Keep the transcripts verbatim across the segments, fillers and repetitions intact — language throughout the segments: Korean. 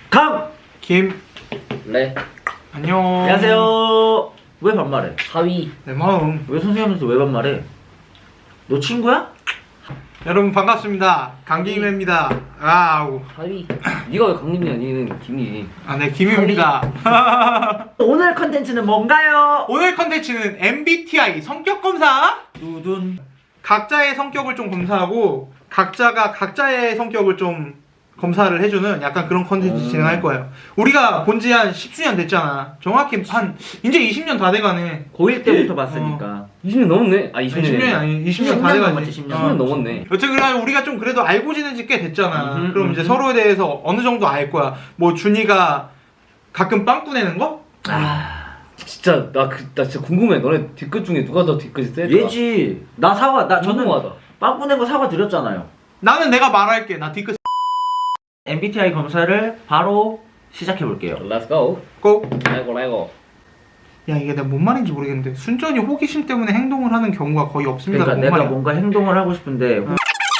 강! 김 네. 안녕. 안녕하세요. 왜 반말해? 하위. 내 마음. 왜 선생님한테 왜 반말해? 너 친구야? 여러분 반갑습니다. 강김입니다. 아우. 하위. 네가 왜 강림이 아니는 김이? 아, 네, 김입니다. 오늘 컨텐츠는 뭔가요? 오늘 컨텐츠는 엠비티아이 성격 검사. 두둔. 각자의 성격을 좀 검사하고 각자가 각자의 성격을 좀 검사를 해주는 약간 그런 컨텐츠 음. 진행할 거예요. 우리가 본 지 한 십수년 됐잖아. 정확히 한 이제 이십 년 다 돼가네. 고일 때부터 봤으니까. 이십 년 넘었네. 아 이십 년. 이십 년이 아니 이십 년 다 십 년 돼가지. 넘었지, 십 년. 십 년 넘었네. 여튼 그래 우리가 좀 그래도 알고 지낸 지 꽤 됐잖아. 음흠, 그럼 이제 음흠. 서로에 대해서 어느 정도 알 거야. 뭐 준이가 가끔 빵꾸 내는 거? 아, 진짜 나 그 나 진짜 궁금해. 너네 뒤끝 중에 누가 더 뒤끝이 세더라? 얘지. 나 사과, 나 저는 궁금하다. 빵꾸 낸거 사과 드렸잖아요. 나는 내가 말할게. 나 뒤끝 엠비티아이 검사를 바로 시작해볼게요. Let's go. 꼭. 아이고 아이고. 야 이게 내가 뭔 말인지 모르겠는데 순전히 호기심 때문에 행동을 하는 경우가 거의 없습니다. 그러니까 뭔 내가 말이야? 뭔가 행동을 하고 싶은데 호-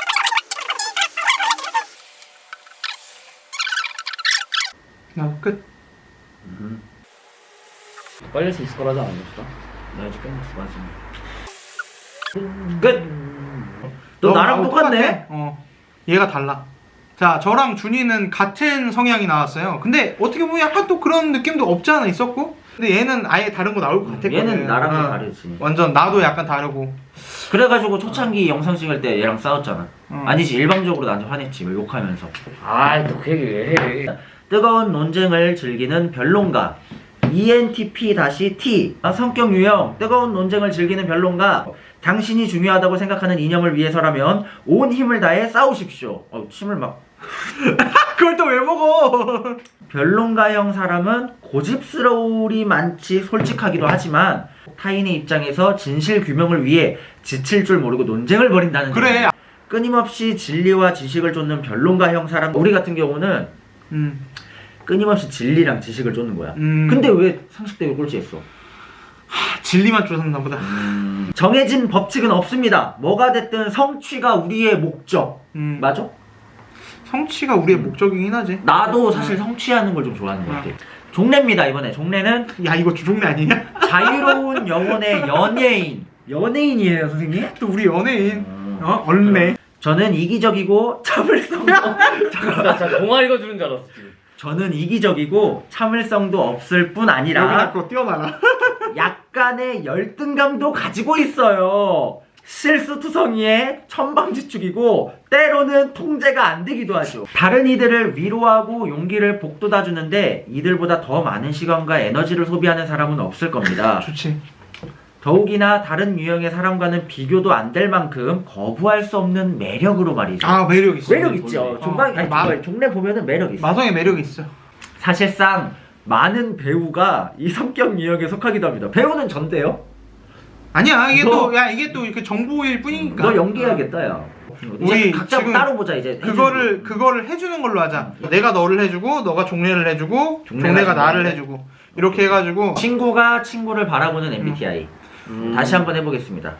나 끝. 빨리 할 수 있을 거라지 않았어? 나 아직 끝났어 마지막. 끝! 너 나랑 나하고 똑같네? 똑같아. 어. 얘가 달라. 자, 저랑 준이는 같은 성향이 나왔어요. 근데 어떻게 보면 약간 또 그런 느낌도 없지 않아 있었고? 근데 얘는 아예 다른 거 나올 것 같았거든. 얘는 나랑 어. 다르지. 완전 나도 약간 다르고. 그래가지고 초창기 영상 찍을 때 얘랑 싸웠잖아. 어. 아니지, 일방적으로 나한테 화냈지, 뭐 욕하면서. 아이 또 그 얘기 왜 해? 뜨거운 논쟁을 즐기는 변론가 이엔티피-T 아, 성격 유형 뜨거운 논쟁을 즐기는 변론가 당신이 중요하다고 생각하는 이념을 위해서라면 온 힘을 다해 싸우십시오. 어, 침을 막. 그걸 또 왜 먹어? 변론가형 사람은 고집스러울이 많지 솔직하기도 하지만 타인의 입장에서 진실 규명을 위해 지칠 줄 모르고 논쟁을 벌인다는 그래. 점. 끊임없이 진리와 지식을 쫓는 변론가형 사람. 우리 같은 경우는 음. 끊임없이 진리랑 지식을 쫓는 거야. 음. 근데 왜 상식대로 꼴찌했어? 하, 진리만 쫓았나 보다. 음. 정해진 법칙은 없습니다. 뭐가 됐든 성취가 우리의 목적. 음. 맞아? 성취가 우리의 목적이긴 하지. 나도 사실 성취하는 걸 좀 좋아하는 것 같아. 종래입니다. 이번에 종래는 야, 이거 주종래 아니냐? 자유로운 영혼의 연예인. 연예인이에요, 선생님? 또 우리 연예인. 음. 어? 얼매. 저는 이기적이고 참을성도 나 진짜 동화 읽어주는 줄 알았어 지금. 저는 이기적이고 참을성도 없을 뿐 아니라 여기다 그거 띄워놔라. 약간의 열등감도 가지고 있어요. 실수투성이의 천방지축이고 때로는 통제가 안 되기도 하죠. 다른 이들을 위로하고 용기를 북돋아주는데 이들보다 더 많은 시간과 에너지를 소비하는 사람은 없을 겁니다. 좋지. 더욱이나 다른 유형의 사람과는 비교도 안 될 만큼 거부할 수 없는 매력으로 말이죠. 아, 매력 있어. 매력 있죠. 종방, 아니, 마- 종방, 종래 보면은 매력 있어. 마성의 매력 있어. 사실상 많은 배우가 이 성격 유형에 속하기도 합니다. 배우는 전데요? 아니야, 이게 너- 또, 야, 이게 또 이렇게 정보일 뿐이니까. 너 연기해야겠다, 야. 우리 이제 각자 지금 따로 보자, 이제. 그거를, 해주는 거. 그거를 해주는 걸로 하자. 내가 너를 해주고, 너가 종래를 해주고, 종래가 종래가 나를 종래를 해주고. 이렇게 해가지고. 친구가 친구를 바라보는 엠비티아이. 음. 다시 한번 해보겠습니다.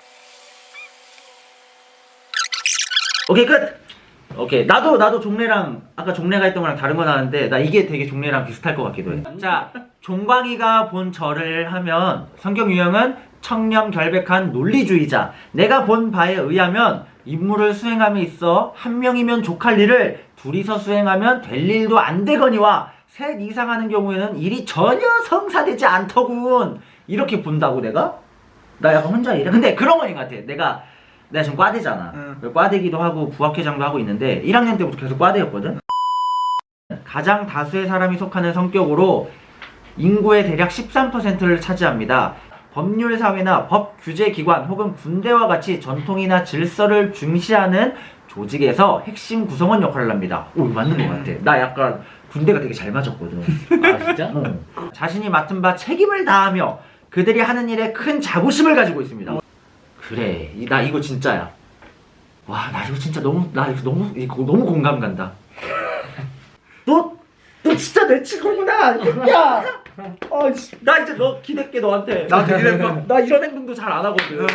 오케이, 끝! 오케이. 나도, 나도 종래랑, 아까 종래가 했던 거랑 다른 거 나왔는데, 나 이게 되게 종래랑 비슷할 것 같기도 해. 자, 종광이가 본 저를 하면, 성격 유형은 청렴 결백한 논리주의자. 내가 본 바에 의하면, 임무를 수행함에 있어 한 명이면 족할 일을 둘이서 수행하면 될 일도 안 되거니와, 셋 이상 하는 경우에는 일이 전혀 성사되지 않더군. 이렇게 본다고 내가? 나 약간 혼자 일해. 근데 그런 거인 것 같아. 내가 내가 지금 과대잖아. 응. 과대기도 하고 부학회장도 하고 있는데 일 학년 때부터 계속 과대였거든. 가장 다수의 사람이 속하는 성격으로 인구의 대략 십삼 퍼센트를 차지합니다. 법률 사회나 법 규제 기관 혹은 군대와 같이 전통이나 질서를 중시하는 조직에서 핵심 구성원 역할을 합니다. 오, 맞는 것 같아. 나 약간 군대가 되게 잘 맞았거든. 아 진짜? 어. 자신이 맡은 바 책임을 다하며 그들이 하는 일에 큰 자부심을 가지고 있습니다. 그래, 이, 나 이거 진짜야. 와, 나 이거 진짜 너무, 나 이거 너무, 이거 너무 공감 간다. 너, 너 진짜 내 친구구나. 야, 어, 씨, 나 이제 너 기댈게 너한테. 나한테 기댈까? 나 이런 행동도 잘 안 하거든.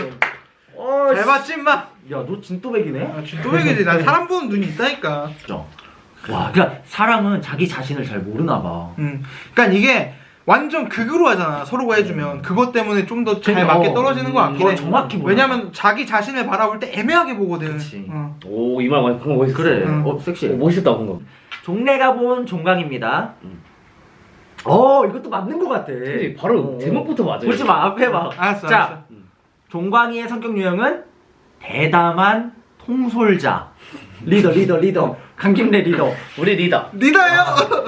어, 잘 봤지, 임마? 야, 너 진또백이네. 아, 쥐또백이지. 난 사람 보는 눈이 있다니까. 진짜. 와, 그러니까 사람은 자기 자신을 잘 모르나 봐. 음, 그러니까 이게 완전 극으로 하잖아. 서로가 해주면 그것 때문에 좀 더 잘 그러니까, 맞게 떨어지는 것 같긴 그건 해. 정확히 몰라. 왜냐면 자기 자신을 바라볼 때 애매하게 보거든. 그치. 어. 오, 이 말 방금 멋있어. 그래. 응. 어, 섹시해. 오, 멋있다, 방금. 종래가 본 종강입니다. 음. 어, 이것도 맞는 것 같아. 그치, 바로 어. 제목부터 맞아요. 보지 마, 앞에 봐. 알았어, 자, 알았어. 종광이의 성격 유형은 대담한 통솔자. 리더, 리더, 리더. 강김래 리더. 우리 리더. 리더예요.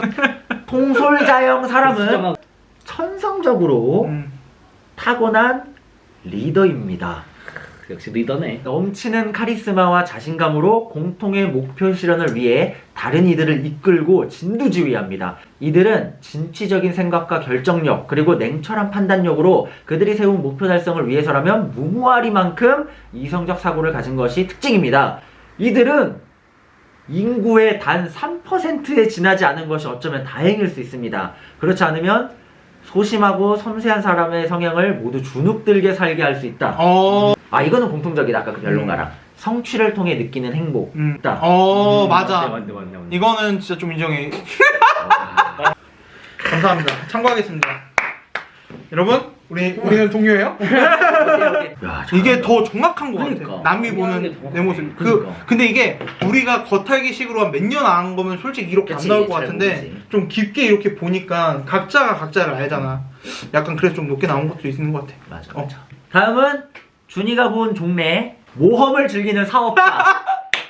통솔자형 진짜 사람은 막 천성적으로 음. 타고난 리더입니다. 역시 리더네. 넘치는 카리스마와 자신감으로 공통의 목표 실현을 위해 다른 이들을 이끌고 진두지휘합니다. 이들은 진취적인 생각과 결정력 그리고 냉철한 판단력으로 그들이 세운 목표 달성을 위해서라면 무모하리만큼 이성적 사고를 가진 것이 특징입니다. 이들은 인구의 단 삼 퍼센트에 지나지 않은 것이 어쩌면 다행일 수 있습니다. 그렇지 않으면 소심하고 섬세한 사람의 성향을 모두 주눅들게 살게 할 수 있다. 어. 아, 이거는 공통적이다. 아까 그 변론가랑. 성취를 통해 느끼는 행복. 음. 있다. 어, 음, 맞아. 맞네, 맞네, 맞네, 맞네. 이거는 진짜 좀 인정해. 감사합니다. 참고하겠습니다. 여러분, 우리 우리는 동료예요? 야, 이게 더 정확한 것 그러니까. 같아. 남이 정확하게 보는 정확하게. 내 모습. 그 그러니까. 근데 이게 우리가 겉핥기식으로 한 몇 년 안 한 거면 솔직히 이렇게 그치, 안 나올 것 잘 같은데 모르지. 좀 깊게 이렇게 보니까 각자가 각자를 알잖아. 약간 그래서 좀 높게 나온 것도 있는 것 같아. 맞아, 어. 맞아. 다음은 준이가 본 종래 모험을 즐기는 사업가.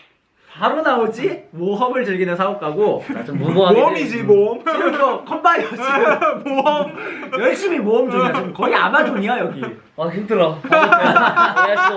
바로 나오지? 모험을 즐기는 사업가고. 나좀 무모하게. 모험이지 모험. 지금 이거 컨바이어 지금 모험. 열심히 모험 중이야. 지금 거의 아마존이야 여기. 아, 힘들어. 해야죠.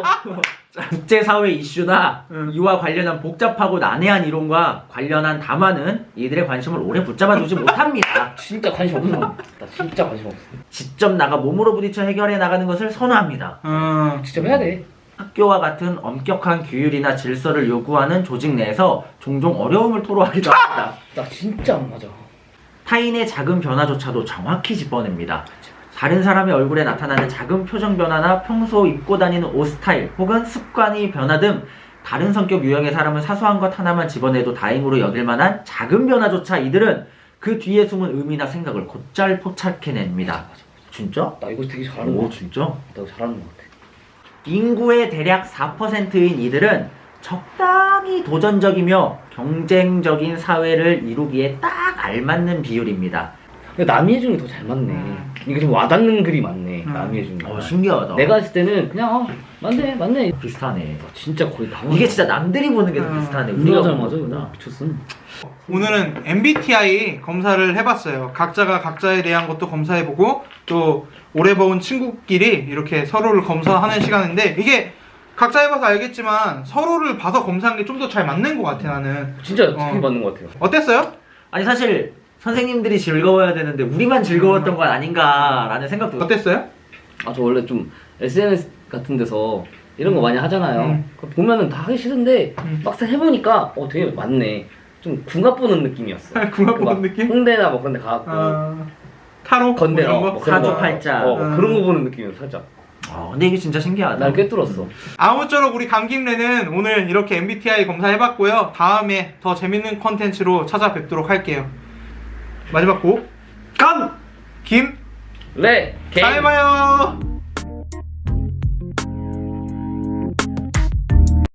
국제사회 이슈나 응. 이와 관련한 복잡하고 난해한 이론과 관련한 담화는 이들의 관심을 오래 붙잡아두지 못합니다. 진짜 관심 없어. 나 진짜 관심 없어. 직접 나가 몸으로 부딪혀 해결해 나가는 것을 선호합니다. 음. 직접 해야 돼. 학교와 같은 엄격한 규율이나 질서를 요구하는 조직 내에서 종종 어려움을 토로하기도 합니다. 나 진짜 안 맞아. 타인의 작은 변화조차도 정확히 짚어냅니다. 다른 사람의 얼굴에 나타나는 작은 표정 변화나 평소 입고 다니는 옷 스타일 혹은 습관의 변화 등 다른 성격 유형의 사람은 사소한 것 하나만 집어내도 다행으로 여길 만한 작은 변화조차 이들은 그 뒤에 숨은 의미나 생각을 곧잘 포착해냅니다. 진짜? 나 이거 되게 잘하는 오, 거 같아. 진짜? 나 이거 잘하는 거 같아. 인구의 대략 사 퍼센트인 이들은 적당히 도전적이며 경쟁적인 사회를 이루기에 딱 알맞는 비율입니다. 근데 남이 해주는 게 더 잘 맞네. 음. 이게 좀 와닿는 글이 많네. 음. 남이 해주는 거. 어, 신기하다. 내가 했을 때는 그냥 어, 맞네, 맞네. 비슷하네. 나 진짜 거의 다 이게 진짜 남들이 보는 게 더 음. 비슷하네. 우리가 잘 보는 맞아. 것보다. 나 미쳤어. 오늘은 엠비티아이 검사를 해봤어요. 각자가 각자에 대한 것도 검사해보고 또 오래 본 친구끼리 이렇게 서로를 검사하는 시간인데 이게 각자 해봐서 알겠지만 서로를 봐서 검사한 게 좀 더 잘 맞는 것 같아 나는. 진짜 어. 되게 맞는 것 같아요. 어땠어요? 아니 사실 선생님들이 즐거워야 되는데 우리만 즐거웠던 건 아닌가라는 생각도. 어땠어요? 아, 저 원래 좀 에스엔에스 같은 데서 이런 거 많이 하잖아요. 음. 그거 보면은 다 하기 싫은데 음. 막상 해보니까 어 되게 맞네. 좀 궁합 보는 느낌이었어. 궁합 보는 막 느낌? 홍대나 뭐 그런 데 가갖고 어... 타로? 건대 뭐 이런 어, 거? 뭐 그런 거. 사주팔자. 어, 음. 그런 거 보는 느낌이었어 살짝. 아, 근데 이게 진짜 신기하다. 날 꿰뚫었어. 아무쪼록 우리 감김래는 오늘 이렇게 엠비티아이 검사해봤고요. 다음에 더 재밌는 컨텐츠로 찾아뵙도록 할게요. 마지막 곡 감! 김! 레! 게임! 잘 봐요!